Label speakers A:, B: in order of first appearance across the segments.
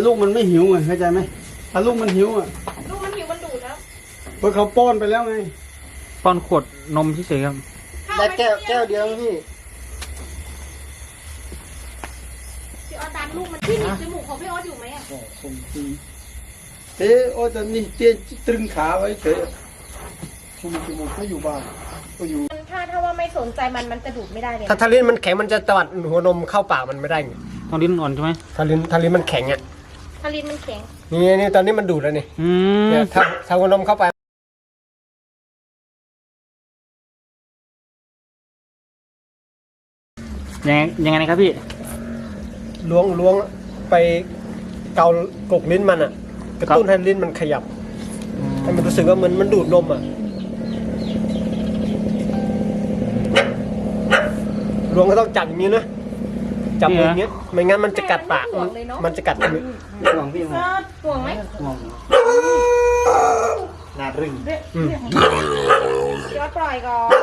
A: ลูกมันไม่หิวไงเข้าใจไหมถ้าลูกมันหิวอ่ะ
B: ลูกมันหิวมันดูดแล้ว
A: เพราะเขาป้อนไปแล้วไง
C: ป้อนขวดนมเฉยๆครับ
D: ได้แก้วเดียวพี่
B: พี่ออสตามลูกมันที่หนีบจมูกของพี่ออสอยู่ไหมอ่ะ
A: โอ้แต่นี่เตี้ยตรึงขาไว้เฉยจมูกก็อยู่บ้านก็อยู่
B: ถ้าว่าไม่สนใจมันจะดูดไม่ได้เลย
D: ถ้าลิ้นมันแข็งมันจะตวัดหัวนมเข้าปากมันไม่ได้ไง
C: ต้องลิ้นอ่อนใช่ไหม
D: ถ้าลิ้นมันแข็งอ่ะ
B: ถ้าลิ้นมันแข็ง
D: นี่ตอนนี้มันดูดแล้วนี่เนี่ยถ้าหัวนมเข้าไป
C: ยังไงนะครับพี่
D: ล้วงไปเกากกลิ้นมันอ่ะกระตุ้นให้ลิ้นมันขยับให้มันรู้สึกว่ามันดูดนมอ่ะล้วงก็ต้องจับอย่างนี้นะจับอย่างนี้ไม่งั้นมันจะกัดปากมันจะกัดมือ
A: ห่วงพี่
B: ห่วงไหม
A: ห่วงนารึง
B: ยอดปล่อยก่อน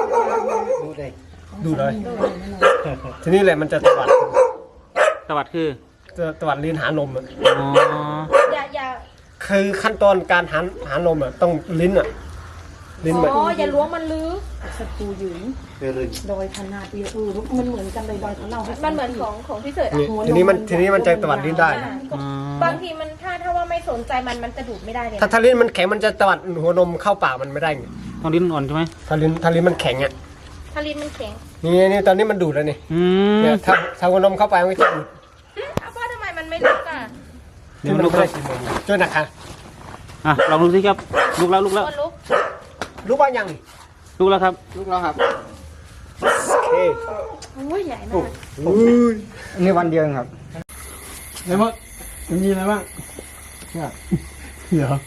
D: ดูเลยทีนี้แหละมันจะตวัด
C: คือ
D: ตวัดลิ้นหานมอ่ะ
B: อย่า
D: คือขั้นตอนการหานมอ่ะต้องลิ้นอ่ะลิ้นแบบ
B: อย่าล้วงมันลึก
E: ศัตรูหญิงดอยขนาดเดียวมันเหมือนกันเลยดอยของเรา
B: มันเหมือนของพี่เสิร์ช
D: ทีนี้มันจะตวัดลิ้นได้
B: บางทีมันถ้าว่าไม่สนใจมันจะดูดไม่ได้เลย
D: ถ้าลิ้นมันแข็งมันจะตวัดหัวนมเข้าปากมันไม่ได้ไง
C: ต้องลิ้นอ่อนใช่ไหม
D: ถ้าลิ้นมันแข็งอ่ะ
B: ถ้าลิ้นมันแข็ง
D: นี่ตอนนี้มันดูดแล้วนี่เนี่ยถ้าหัวนมเข้าไปมันจะดูด
B: พ่อทำไมมันไม่ลุกอ่ะ
D: นี่มันลุกได้ช่วยนะคะ
C: ลองดูสิครับลุกแล้ว
D: ลุกว่ายัง
C: ลุกแล้วครับ
D: ลุกแล้วครับโอเค
B: โอ้ยใหญ่มาก
D: นี่วันเดียวครับ
A: อะไรบ้างมีอะไรบ้างเดี๋ยว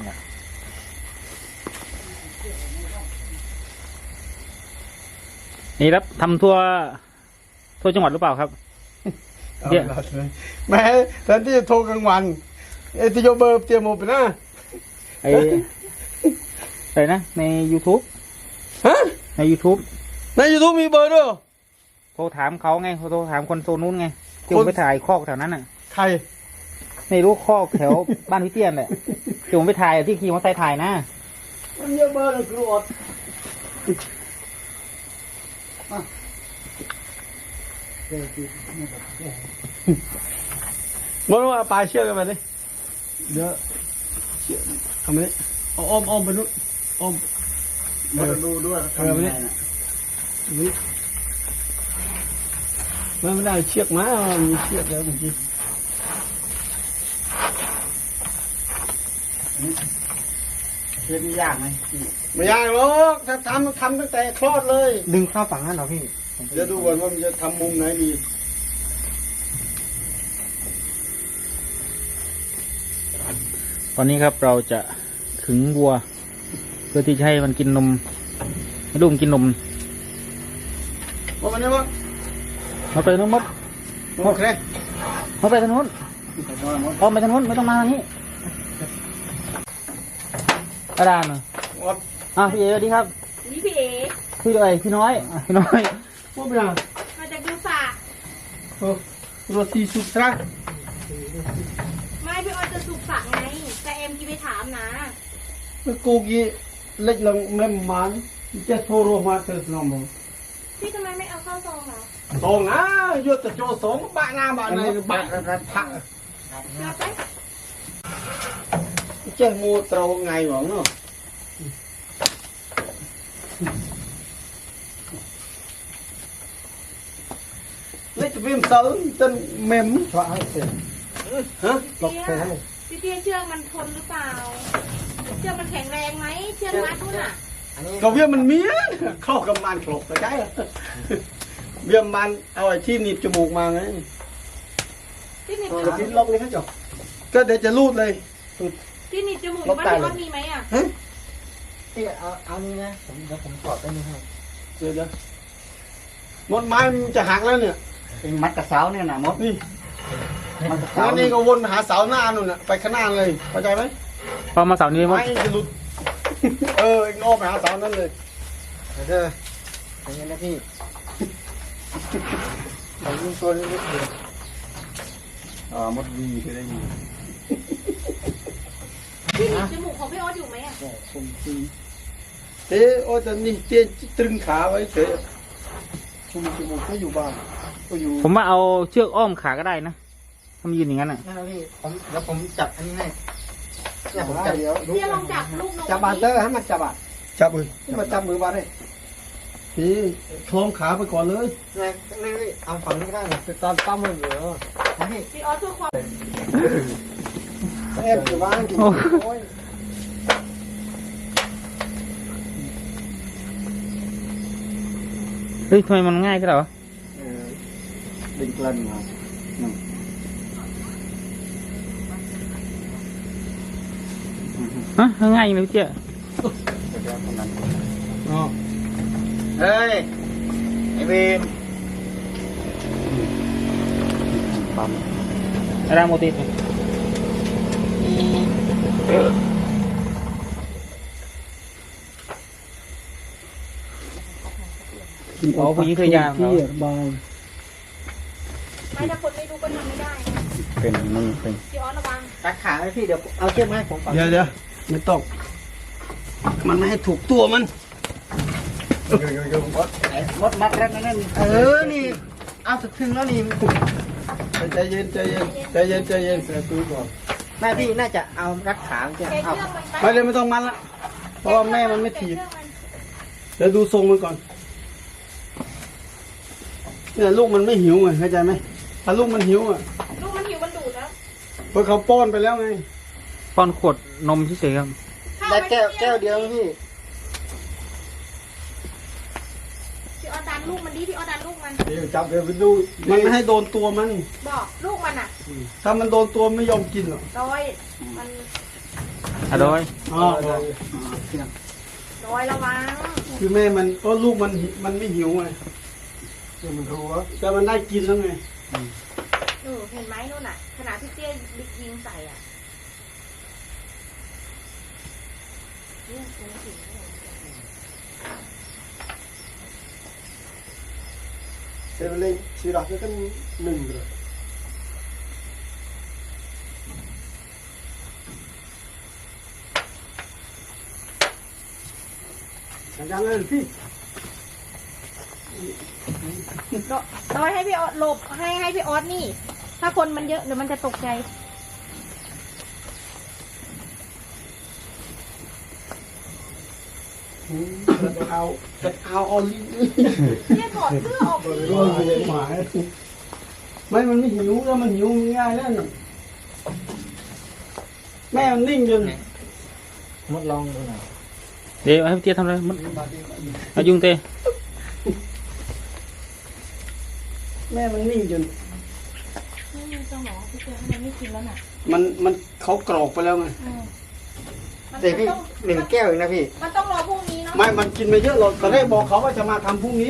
C: นี่ครับทำทั่วจังหวัดหรือเปล่าครับ
A: แม่แทนที่จะโทรกลางวันที่โยเบอร์เตรียมหมดไปนะ
C: อะไรนะใน YouTube
A: ฮะ
C: ใน YouTube
A: มีเบอร์ด้วย
C: โทรถามเขาไงโทรถามคนโซนนู้นไงที่ผมไปถ่ายคอกแถวนั้นน่ะ
A: ใคร
C: ไม่รู้คอกแถวบ้านพี่เตี้ยนแหละที่ผมไปถ่ายที่ขี่มอเตอร์ไซค์ถ่ายนะ
A: มันเยอะเบอร์เลยครูอดบอกว่าปลาเชือกกันมาดิเดี๋ยวเชือกทำไมอ้อมไปนู้นอ้อมมาดูด้วยทำไมเนี่ยนี่ไม่ได้เชือกมามีเชือกแล้วเมื่อกี้
D: เชือกยากไหม
A: ไม่ยากหรอกถ้าทำตั้งแต่คลอดเลย
D: ดึงเข้าฝั่งนั้นเหรอพี่
A: เดี๋ยวดูก่อนว่ามันจะทำมุมไหนดี
C: ตอนนี้ครับเราจะขึงวัวเพื่อที่จะให้มันกินนมให้ลูกกินนม
A: ว่ามันนี่มั้ง
C: มาไปทางนู้น
A: โอเค
C: มาไปทางนู้นไปทางนู้นไม่ต้องมาทางนี้อาดานเหรอพี่เอ๋สวัสดีครับ
B: นี่พี่เอ๋
C: พี่น้อย
A: ว่าเป็นอะไร
B: มาจากยูฟา
A: โรตีสุกตรา
B: ไม่พี่ออยจะสุกฝักไงแต่เอ็มที่ไปถามนะ
A: กูกี้เล็กลงแม่มันจะโทรมาเติร์ดน้องมึง
B: พี่ทำไมไม่เอาข้าวซองเหรอ
A: ซองนะยศจะโจสองบ้าหน้าบ้านไหนบ้าผักเจ้างูเต่าไงหวังเนาะเล็กวิ่งเติร์ดจนเมมว่าให้เสร็จฮะ
B: หลอกไปให้พี่เตี้ยเชือกมันทนหรือเปล่าเชือกมันแข็งแรงไหมเชือกมัดนู่นอ่ะ
A: ก็เวียมันเมี้ยเข้ากับมันคลกใช่เวียมันเอาไอ้ที่หนีบจมูกมาไง
B: ที่หนีบจ
A: มูกล็อกเลยครับจ๊ะก็เดี๋ยวจะรูดเลย
B: ที่หนีบจมูกบ้านพี่มีไหมอ่ะ
D: เอานี่นะเดี๋ยวผมกอดได้ไหมครับ
A: เดี๋ยวมดไม้มันจะหักแล้วเนี่ย
D: เป็นมัดกระเซ้าเนี่ยนะมด
A: นี่แล้วนี่ก็วนหาเสาหน้านู่นน่ะไปข้างหน้าเลยเข้าใจไหม
C: พอมาเสานี้
A: ไม้จะหลุดเอ็งอ้อมไปหาเสานั่นเลย
D: เด้ออย่างนี้นะพี่เรายิงตัวนี้นิดเดียว
A: มดวีไปได้ยิน
B: ที่หนีบจมูกของพี่ออสอยู่ไหมอ่ะ
A: ผมจริงโอ้แต่นี่เจ๊ตรึงขาไว้เฉยชุมจมูกก็อยู่บ้านก็อยู่
C: ผมว่าเอาเชือกอ้อมขาก็ได้นะทำยืนอย่างนั้นอ่ะ
D: นั่นพี่เดี๋ยวผมจับอันนี้ให้เนี่ยผมจับ
A: เดี๋ยว
B: เตี้ยลองจับลูกนก
D: จับบาเตอร์ให้มันจับอ่ะ
A: จับเลย
D: ที่มันจับมือบาเลย
A: พี่คล้องขาไปก่อนเลย
D: นี่เอาฝั่งนี้ก็ได้นะตอนปั้มมันเหรอนะพี่
B: พี่ออสเพื่อความ
D: เอ็มอยู่บ้านกินโอ้ย
C: เฮ้ยทำไมมันง่ายขึ้นเหรอ
A: ดึงกลั่นมา
C: ฮะง่ายอย่างเลยเจ้า
D: เฮ้ยไอเวน
A: ปั๊ม
C: รางโมติดอ๋อผู้หญิงเคยยามเขา
A: บาง
B: ไม่ถ้าคนไม่รู้ก็ทำไม่ได้นะ
A: เป็นมึงเป็น
B: พี่ออสระวัง
D: ตัดขาให้พี่เดี๋ยวเอาเชือกมาให้ผมก่อน
A: เดี๋ยวไม่ต้องมันไม่ให้ถูกตัวมัน
D: รถมัดแล้วนั่นนี่เอาสุดถึงแล้วนี่
A: ใจเย็นใจเย็นใจเย็นใจเย็นใส่ตู้ก่อน
D: แม่พี่น่าจะเอารัดขาจะ
B: แก
D: เอา
B: เชือกมันไป
A: ไม่เลยไม่ต้องมันละเพราะว่าแม่มันไม่ถีบเดี๋ยวดูทรงมันก่อนเนี่ยลูกมันไม่หิวไงเข้าใจไหมถ้าลูกมันหิวอ่ะ
B: ลูกมันหิวมันดูดแล้ว
A: เพราะเขาป้อนไปแล้วไง
C: ป้อนขวดนมเฉยๆครับ
D: ได้แก้วเดียวพี่
B: พี่ออสดันลูกมันดิพี่ออสดันลูกมัน
A: เดี๋ยวจับเดี๋ยวไปดูมันไม่ให้โดนตัวมัน
B: บอกลูกมันอ่ะ
A: ถ้ามันโดนตัวไม่ยอมกินหรอก
B: ดอยมัน
C: อร่อย
A: อ๋อ
B: ดอยระวัง
A: คือแม่มันก็ลูกมันไม่หิวไงมันรู้ว่าแต่มันได้กินแล้วไง
B: เห็นไหมนู่นน่ะขนาดพี่เตี้ยยิงใส่อ่ะเนี่ยตัวถึง
A: เซเว่นเล่ชีรักก็หนึ่งเลยยังไงพี่
B: ดอยให้พี่ออสหลบให้พี่ออสนี่ ถ้าคนมันเยอะเดี๋ยวมันจะตกใจ
A: เอาออลลี่
B: เนี่ยถอดเสื้อออกดิ
A: ก็เลยหมายไม่มันไม่หิวแล้วมันหิวง่ายแล้วนี่แม่มันนิ่งจน
D: มดลองดูหน่อย
C: เดี๋ยวให้พี่เตี้ยทำอะไรมันเอายุงเตะ
A: แม่มันนิ่งจน
B: ไม่มีสมองพี่เตี้ยมันไม่กินแล้วน่ะ
A: มันเขากรอกไปแล้วไง
B: มัน
D: แต่พี่
B: ต้อง
D: 1 แก้วเองนะพี่
B: มันต้องรอพรุ่งนี้เนาะ
A: ไม่มันกินไปเยอะหรอกตอนแรกบอกเขาว่าจะมาทำพรุ่งนี้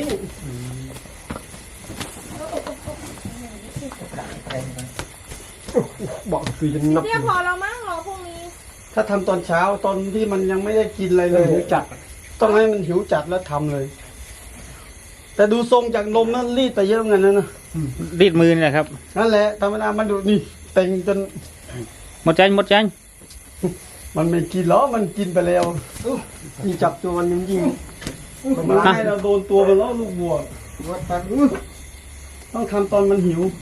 A: บอกคือจะนับ
B: เตี้ยพอเรามั้งรอพรุ่งนี้
A: ถ้าทำตอนเช้าตอนที่มันยังไม่ได้กินอะไรเลยหิวจัด ต้องให้มันหิวจัดแล้วทำเลย แต่ดูทรงจากนมนั้นรีดไปเยอะเหมือนกันนะ
C: รีดมือนี่แหละครับ
A: นั่นแหละธรรมดามันดูนี่เต็งจน
C: หมดใจหมดใจ
A: มันไม่กินหรอมันกินไปแล้วนี่จับตัวมันยังยิงมันให้เราโดนตัวมันแล้วลูกบัวต้องทำตอนมันหิว